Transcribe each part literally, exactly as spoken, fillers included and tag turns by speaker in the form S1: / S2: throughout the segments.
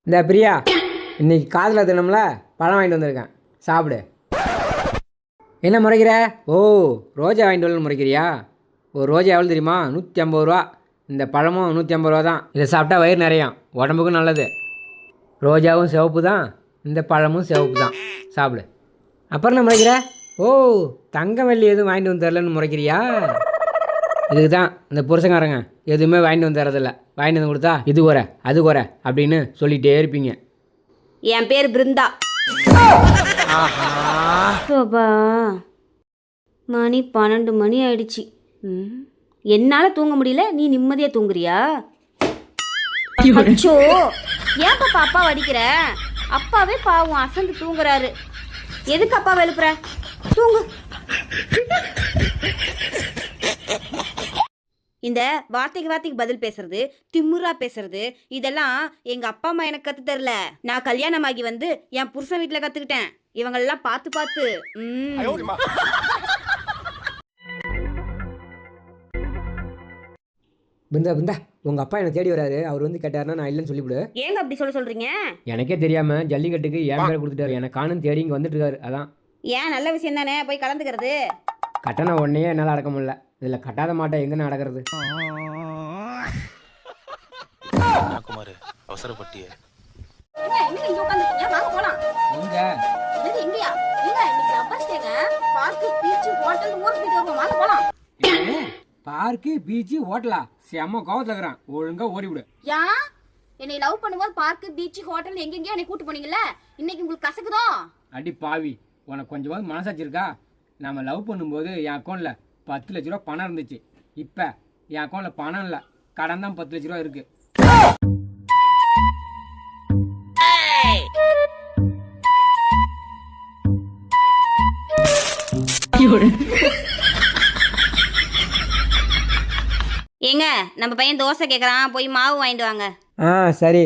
S1: இந்த பிரியா, இன்னைக்கு காதில் தினம்ல பழம் வாங்கிட்டு வந்திருக்கேன், சாப்பிடு. என்ன முறைக்கிற? ஓ, ரோஜா வாங்கிட்டு வரல முறைக்கிறியா? ஒரு ரோஜா எவ்வளோ தெரியுமா? நூற்றி ஐம்பது ரூபா. இந்த பழமும் நூற்றி ஐம்பது ரூபா தான். இதை சாப்பிட்டா வயிறு நிறையும், உடம்புக்கும் நல்லது. ரோஜாவும் சிவப்பு தான், இந்த பழமும் சிவப்பு தான். சாப்பிடு. அப்புறம் என்ன முறைக்கிற? ஓ, தங்க வெள்ளி எதுவும் வாங்கிட்டு வந்து தரலன்னு முறைக்கிறியா? இதுக்கு தான் இந்த புருஷங்காரங்க எதுவுமே வாங்கிட்டு வந்து தரதில்லை. வாங்கிட்டு வந்து கொடுத்தா இது குறை அது குறை அப்படின்னு சொல்லிகிட்டே இருப்பீங்க.
S2: என் பேர் பிருந்தா. சோபா, மணி பன்னெண்டு மணி ஆயிடுச்சு. என்னால் தூங்க முடியல, நீ நிம்மதியாக தூங்குறியா? அச்சோ, ஏன் பாப்பா அப்பா வடிக்கிற? அப்பாவே பாவம் அசந்து தூங்குறாரு. எதுக்கு அப்பா எழுப்புற? தூங்கு. இந்த வார்த்தைக்கு வார்த்தைக்கு பதில் பேசுறது, திமுறா பேசுறது, இதெல்லாம் எங்க அப்பா அம்மா எனக்கு கத்து தரல. நான் கல்யாணமாகி வந்து என் புருஷன் வீட்டுல கத்துக்கிட்டேன். இவங்களெல்லாம் பார்த்து பார்த்து.
S1: பிருந்தா பிருந்தா, உங்க அப்பா என்ன தேடி வராரு. அவர் வந்து கேட்டாருன்னா நான் இல்லைன்னு சொல்லிவிடு.
S2: ஏங்க அப்படி சொல்ல சொல்றீங்க?
S1: எனக்கே தெரியாம ஜல்லிக்கட்டுக்கு என் பேரை கொடுத்துட்டாரு. எனக்கு காணும் தேடி இங்கே வந்துட்டு இருக்காரு. அதான்.
S2: ஏன், நல்ல விஷயம் தானே, போய் கலந்துக்கிறது.
S1: கட்டண உடனே என்னால் அடக்க முடியல. இதில் கட்டாத மாட்டேன், எங்கே நடக்கிறது?
S3: குமார், அவசரப்பட்டிய
S1: பார்க்கு பீச்சு ஹோட்டலா? செம்ம கோவத்துல இருக்கிறான், ஒழுங்கா ஓடிவிடு.
S2: யா, என்னை லவ் பண்ணும்போது பார்க்கு பீச்சு ஹோட்டல் எங்கெங்கயோ என்னை கூட்டு போனீங்கல்ல, இன்னைக்கு உங்களுக்கு கசக்குதோ?
S1: அடி பாவி, உனக்கு கொஞ்சமாவது மனசாச்சு இருக்கா? நம்ம லவ் பண்ணும்போது என் அக்கௌண்ட்ல பத்து லட்ச ரூபா பணம் இருந்துச்சு. இப்போ என் அக்கௌண்ட்ல பணம் இல்லை, கடன் தான் பத்து லட்ச ரூபா இருக்கு.
S2: ஏங்க, நம்ம பையன் தோசை கேட்குறான், போய் மாவு வாங்கிட்டு வாங்க.
S1: ஆ சரி.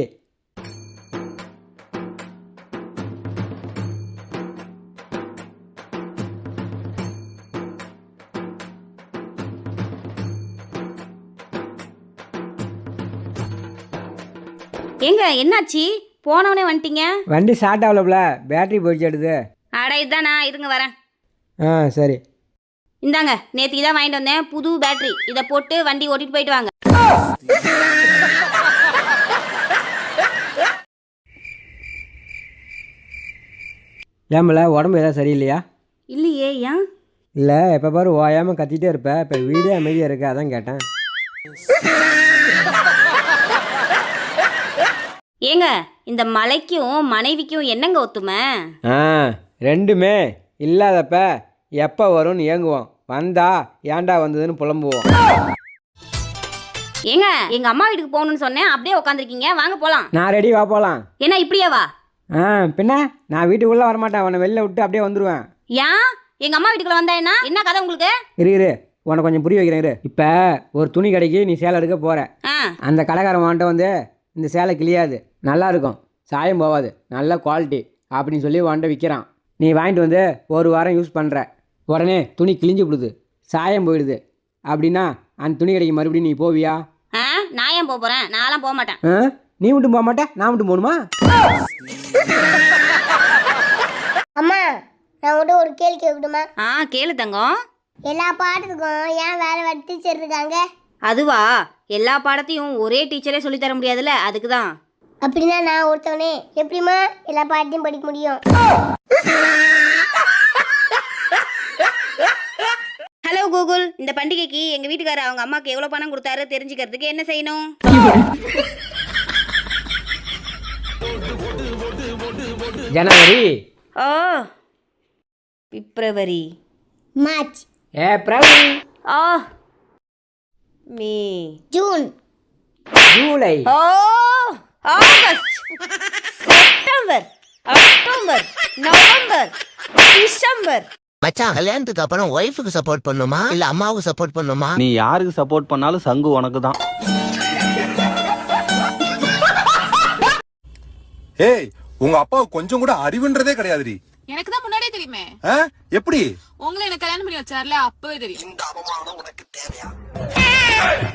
S2: ஏங்க, என்னாச்சு? போனவனே வந்துட்டீங்க.
S1: வண்டி ஸ்டார்ட் ஆகலப்ல, பேட்டரி போயிடுச்சு எடுது.
S2: அட இதுதானா, இருங்க வரேன்.
S1: ஆ சரி.
S2: இந்தாங்க, நேற்றுக்கு தான் வாங்கிட்டு வந்தேன் புது பேட்டரி. இதை போட்டு வண்டி ஓட்டிட்டு போயிட்டு வாங்க.
S1: ஏமல, உடம்பு ஏதாவது சரியில்லையா?
S2: இல்லையே, ஏன்?
S1: இல்லை, எப்போ பாரு ஓயாமல் கத்திட்டே இருப்ப. இப்போ வீடே அமைதியாக இருக்கு, அதான் கேட்டேன்.
S2: ஏங்க, இந்த மலைக்கும் மனைவிக்கும் என்னங்க ஒத்துமை?
S1: ஆ, ரெண்டுமே இல்லாதப்ப எப்போ வரும்னு ஏங்குவோம், வந்தா ஏன்டா வந்ததுன்னு புலம்புவோம்.
S2: ஏங்க, எங்க அம்மா வீட்டுக்கு போகணும்னு சொன்னேன், அப்படியே உட்காந்துருக்கீங்க. வாங்க போலாம்.
S1: நான் ரெடி, வா போகலாம்.
S2: என்ன இப்படியே வா?
S1: ஆ பின்ன, நான் வீட்டுக்குள்ளே வரமாட்டேன், உன்னை வெளில விட்டு அப்படியே வந்துடுவேன்.
S2: ஏன் எங்க அம்மா வீட்டுக்குள்ள வந்தா என்ன என்ன கதை உங்களுக்கு?
S1: இரு இரு, உனக்கு கொஞ்சம் புரிய வைக்கிறேன் இரு. இப்போ ஒரு துணி கடைக்கு நீ சேலை எடுக்க போகிற. அந்த கடைக்காரன் வாண்ட வந்து இந்த சேலை கிளியாது, நல்லா இருக்கும், சாயம் போகாது, நல்ல குவாலிட்டி அப்படின்னு சொல்லி வாண்ட விற்கிறான். நீ வாங்கிட்டு வந்து ஒரு வாரம் யூஸ் பண்ணுற, உடனே துணி கிழிஞ்சு விடுது, சாயம் போயிடுது. அப்படின்னா அந்த துணி கடைக்கு மறுபடியும் நீ போவியா?
S2: ஆ, நான் ஏன் போக போகிறேன்? நான்லாம் போக மாட்டேன்.
S1: ஆ, நீ மட்டும் போக மாட்டேன், நான் மட்டும் போகணுமா?
S4: அம்மா, நான் உங்கள்கிட்ட ஒரு கேள்வி கேட்கட்டுமா?
S2: ஆ கேளு தங்கம்.
S4: எல்லா பாடத்துக்கும் ஏன் வேற வேற டீச்சர் இருக்காங்க?
S2: அதுவா, எல்லா பாடத்தையும் ஒரே டீச்சரே சொல்லி தர முடியாதுல்ல, அதுக்கு தான்.
S4: அப்படின்னா நான் ஒருத்தவனே எப்படிமா எல்லா பாடத்தையும் படிக்க முடியும்?
S2: ஹலோ கூகுள், இந்த பண்டிகைக்கு எங்க வீட்டுக்காரர் அவங்க அம்மாக்கு எவ்வளவு பணம் கொடுத்தாரு தெரிஞ்சுக்கிறதுக்கு என்ன செய்யணும்?
S1: ஜனவரி.
S2: ஓ, பிப்ரவரி.
S4: மார்ச்.
S1: ஏப்ரல்.
S2: ஓ, மே.
S4: ஜூன்.
S1: ஜூலை.
S2: ஓ, ஆகஸ்ட். செப்டம்பர். அக்டோபர். நவம்பர். டிசம்பர்.
S5: மச்சான், கல்யாணத்துக்கு அப்புறம் ஒய்ஃபுக்கு சப்போர்ட் பண்ணுமா இல்ல அம்மாவுக்கு சப்போர்ட் பண்ணுமா?
S3: நீ யாருக்கு சப்போர்ட் பண்ணாலும் சங்கு உனக்கு தான்.
S6: ஏய், உங்க அப்பாவுக்கு கொஞ்சம் கூட அறிவுன்றதே கிடையாதுடி.
S7: எனக்கு தான் முன்னாடியே தெரியுமே.
S6: எப்படி?
S7: உங்களை என்ன கல்யாணம் பண்ணி வச்சார்ல, அப்பவே தெரியும்.